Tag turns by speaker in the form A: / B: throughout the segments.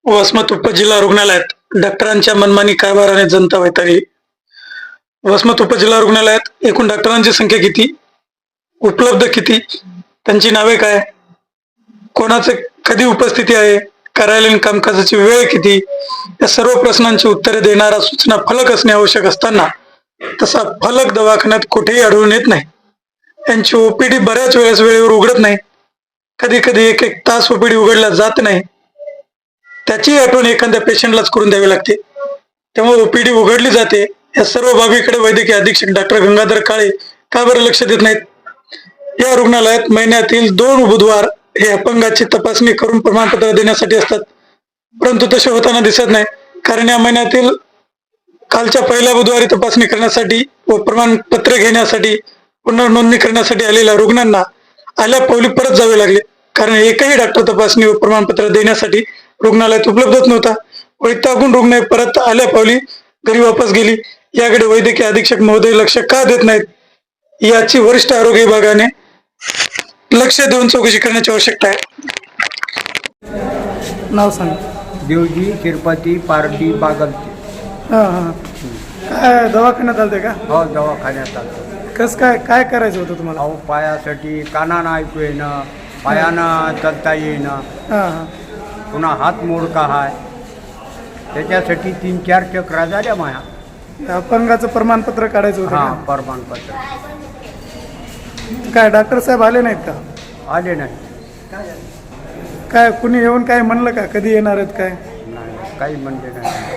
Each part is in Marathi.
A: वसमत उपजिल्हा रुग्णालयात डॉक्टरांच्या मनमानी कारभाराने जनता वैतागली. वसमत उपजिल्हा रुग्णालयात एकूण डॉक्टरांची संख्या किती, उपलब्ध किती, त्यांची नावे काय, कोणाचे कधी उपस्थिती आहे, कार्यालयीन कामकाजाची वेळ किती, या सर्व प्रश्नांची उत्तरे देणारा सूचना फलक असणे आवश्यक असताना तसा फलक दवाखान्यात कुठेही आढळून येत नाही. यांची ओपीडी बऱ्याच वेळेस वेळेवर उघडत नाही. कधी कधी एक एक तास ओपीडी उघडला जात नाही. त्याची आठवण एखाद्या पेशंटलाच करून द्यावी लागते. त्यामुळे ओपीडी उघडली जाते. या सर्व बाबीकडे वैद्यकीय अधीक्षक डॉक्टर गंगाधर काळे का बरं लक्ष देत नाहीत? या रुग्णालयात महिन्यातील 2 बुधवार हे अपंगाची तपासणी करून प्रमाणपत्र देण्यासाठी असतात, परंतु तसे होताना दिसत नाही. कारण या महिन्यातील कालच्या पहिल्या बुधवारी तपासणी करण्यासाठी व प्रमाणपत्र घेण्यासाठी पुनर्नोंदणी करण्यासाठी आलेल्या रुग्णांना आल्या पावली परत जावे लागले. कारण एकही डॉक्टर तपासणी व प्रमाणपत्र देण्यासाठी रुग्णालयात उपलब्धच नव्हता. वैतागून रुग्ण परत आल्या पावली घरी वापस गेली. याकडे वैद्यकीय अधीक्षक महोदय लक्ष का देत नाहीत याची वरिष्ठ आरोग्य विभागाने लक्ष देऊन चौकशी करण्याची आवश्यकता आहे. नाव सांग.
B: देवजी तिरुपती पारडी बागलचे.
A: काय दवाखान्यात आलते का?
B: हो, दवाखान्यात आलो.
A: कस काय काय करायचं होतं तुम्हाला?
B: अहो, पायासाठी कानानं ऐकू येणं, पायानं चालता येणं, पुन्हा हात मोडका आहे, त्याच्यासाठी 3-4 चक्रा झाल्या माया.
A: अपंगाचं प्रमाणपत्र काढायचं होतं
B: हां,
A: का?
B: प्रमाणपत्र
A: काय डॉक्टर साहेब आले नाहीत का?
B: आले नाही.
A: काय कुणी येऊन काय म्हणलं का कधी येणार आहेत काय?
B: नाही, काही म्हणजे नाही.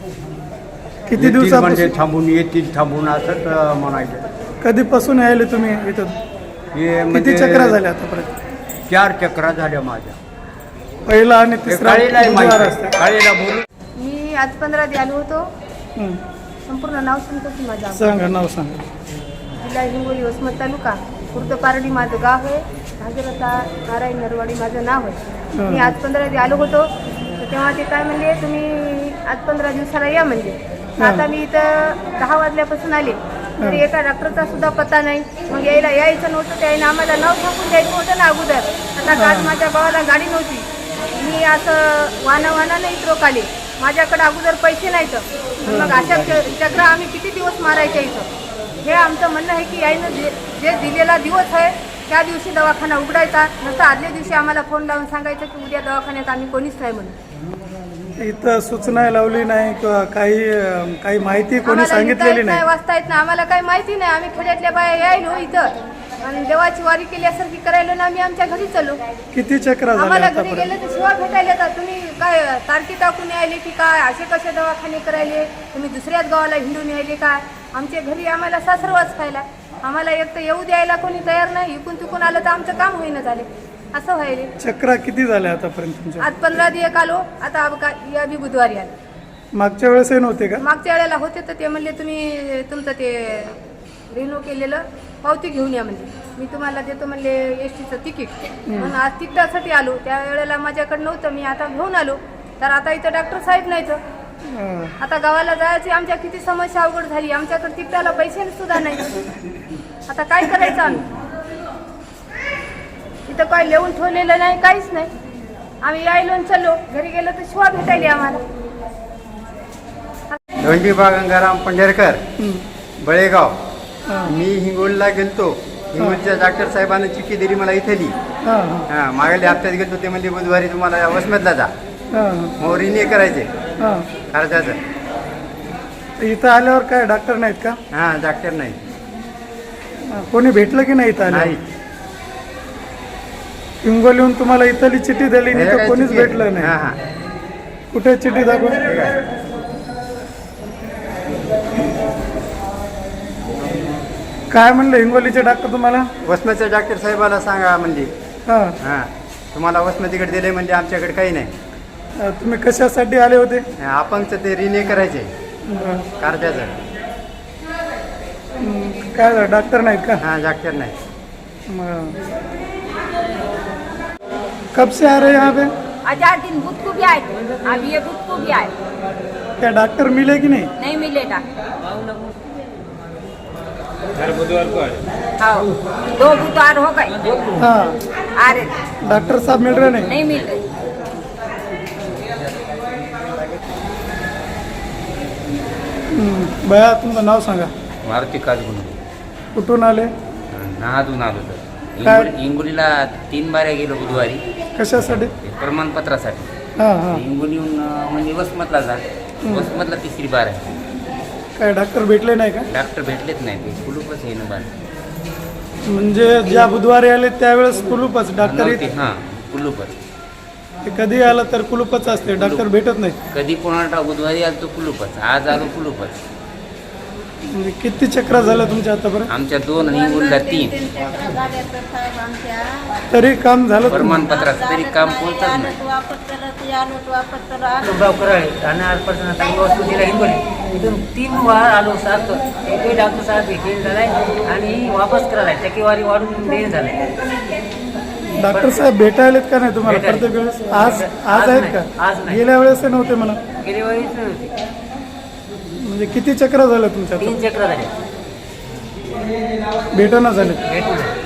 A: किती
B: येतील
A: दिवसापासून
B: म्हणजे थांबून असंच म्हणायचं.
A: कधीपासून यायले तुम्ही इथं?
B: हे
A: किती
B: म्हणजे
A: चक्रा झाल्या आतापर्यंत?
B: 4 चक्रा झाल्या माझ्या.
A: पहिला आणि तिसरा
B: काळीला
A: बुधवार असते.
B: काळीला बोलू.
C: मी आज 15 आलो होतो. संपूर्ण नाव सांगतो की माझं?
A: सांगा, नाव सांगा.
C: जिल्हा हिंगोली, वसमत तालुका, खुर्द पारडी माझं गाव आहे. भागीरथा नारायण नरवाडी माझं नाव आहे. मी आज 15 आलो होतो, तर तेव्हा ते काय म्हणले, तुम्ही आज 15 दिवसाला या म्हणजे. आता मी इथं 10 वाजल्यापासून आले, तरी एका डॉक्टरचा सुद्धा पत्ता नाही. मग यायचं नव्हतं, त्याने आम्हाला नाव सांगून द्यायचं होतं ना अगोदर. आता काल माझ्या गावाला गाडी नव्हती, मी असं वानावानानं इथं रोकाले. माझ्याकडे अगोदर पैसे नाहीत, मग अशा चक्र आम्ही किती दिवस मारायच्या इथं? हे आमचं म्हणणं आहे की यानं जे दिलेला दिवस आहे त्या दिवशी दवाखाना उघडायचा, नसता आदल्या दिवशी आम्हाला फोन लावून सांगायचं की उद्या दवाखान्यात आम्ही कोणीच नाही म्हणून.
A: इथं सूचना लावली नाही किंवा काही माहिती कोणी सांगितलेली नाही?
C: वाचता येत नाही, आम्हाला काही माहिती नाही. आम्ही खेड्यातल्या बाया यायलो इथं आणि देवाची वारी केल्यासारखी करायलो ना, आम्ही आमच्या घरी चलो.
A: किती चक्रा झाल्या
C: आम्हाला घरी
A: आतापर्यंत?
C: गेले तर शिवा भेटायला येतात. तुम्ही काय तारकी टाकून यायले की काय? असे कसे दवाखाने करायले? तुम्ही दुसऱ्याच गावाला हिंडून यायले काय? आमच्या घरी आम्हाला सासरवाच खायला. आम्हाला एक तर येऊ द्यायला कोणी तयार नाही. इकून तिकून आलं तर आमचं काम होईना झाले, असं व्हायले.
A: चक्रा किती झाल्या आतापर्यंत तुमच्या?
C: आज 15 दिवस आलो, आता या बी बुधवारी आले.
A: मागच्या वेळेसही नव्हते का?
C: मागच्या वेळेला होते तर ते म्हणले तुम्ही तुमचं ते रिन्यू केलेलं पावती घेऊन या म्हणजे. मी तुम्हाला देतो म्हणले एसटीचं तिकीट. म्हणून आज तिकिटासाठी आलो. त्या वेळेला माझ्याकडे नव्हतं, मी आता घेऊन आलो. तर आता इथं डॉक्टर साहेब नाहीत. आता गावाला जायची आमच्या किती समस्या अवघड झाली. आमच्याकडे तिकिटाला पैसे सुद्धा नाही. आता काय करायचं आम्ही? इथं काय लिहून ठेवलेलं नाही, काहीच नाही. आम्ही यायलो चलो, घरी गेलो तर शिवा भेटायली आम्हाला.
B: धोंडीबा गंगाराम पंढरकर, बळेगाव. मी हिंगोलीला गेलतो. हिंगोलीच्या डॉक्टर साहेबांना चिठ्ठी दिली मला इथली. हां, मागल्या हप्त्यात गेलतो. ते म्हणजे बुधवारी तुम्हाला वसमतला जा, मग रिन्यू करायचे खर्चाचं.
A: इथं आल्यावर काय डॉक्टर नाहीत का?
B: हां, डॉक्टर नाही.
A: कोणी भेटलं की नाही इथं
B: नाही.
A: आल्यावर? हिंगोलीहून तुम्हाला इथली चिठ्ठी दिली नाही तर कोणीच भेटलं नाही?
B: हां हां.
A: कुठे चिठ्ठी दाखव. काय म्हणलं हिंगोलीचे डॉक्टर तुम्हाला?
B: वसमतच्या डॉक्टर साहेबाला सांगा म्हणजे.
A: हां,
B: हां, तुम्हाला वसमतीकडे दिले म्हणजे आमच्याकडे काही नाही.
A: तुम्ही कशासाठी आले होते?
B: अपंगचं ते रिन्यू करायचे कार्जाचं.
A: काय झालं, डॉक्टर नाहीत का?
B: हां, डॉक्टर नाही.
A: कब से आ रहे हैं यहाँ पे?
D: 10 दिन बुध को भी आए थे, अब ये बुध को भी आए,
A: क्या डॉक्टर मिले कि नहीं?
D: नहीं मिले डॉक्टर।
E: हर बुधवार को आए।
D: हाँ, 2 बुधवार हो गए
A: हाँ,
D: आ रहे थे,
A: डॉक्टर साहब मिल रहे नहीं?
D: नहीं मिल रहे।
A: बया तुमचं नाव सांगा.
E: मारुती काजगुंडे
A: कुठून आले?
E: नाहातून आलो तर
A: काय?
E: हिंगोलीला 3 बाऱ्या गेलो बुधवारी
A: कशासाठी?
E: ते प्रमाणपत्रासाठी.
A: हां हां.
E: हिंगोलीहून म्हणजे वसमतला जा, वसमतला 3री बार आहे.
A: काय डॉक्टर भेटले नाही का?
E: डॉक्टर भेटलेच नाही, ते कुलूपच आहे ना बार.
A: म्हणजे ज्या बुधवारी आले त्यावेळेस कुलूपच डॉक्टर
E: नव्हते, हां कुलूपच.
A: ते कधी आलं तर कुलूपच असते, डॉक्टर भेटत नाही.
E: कधी कोणाला बुधवारी आलो तो कुलूपच, आज आलो कुलूपच.
A: म्हणजे किती चक्र झालं तुमच्या आतापर्यंत?
E: आमच्या 2 आणि हिंगोलीला 3
A: तरी काम झालं तुम्हाला?
E: प्रमाणपत्राचं तरी काम पोहोचत नाही.
F: गाव कराळे राहणार पर्सन आता वसुलीला हिंगोली इथून 3 वार आलो सात एकही डॉक्टर साहेब भेटेल झालाय आणि वापस करायला टक्केवारी वाढून देणं झालंय.
A: डॉक्टर साहेब भेटायलेत का नाही तुम्हाला
F: भेटायले.
A: प्रत्येक वेळेस? आज
F: आज
A: आहेत
F: नाही,
A: का?
F: आज नाही.
A: गेल्या वेळेस ते नव्हते म्हणा.
F: गेल्या वेळीच नव्हती.
A: म्हणजे किती चक्र झालं तुमच्या?
F: 3 चक्र झाले
A: भेटना झाले.
F: भेटून झाले.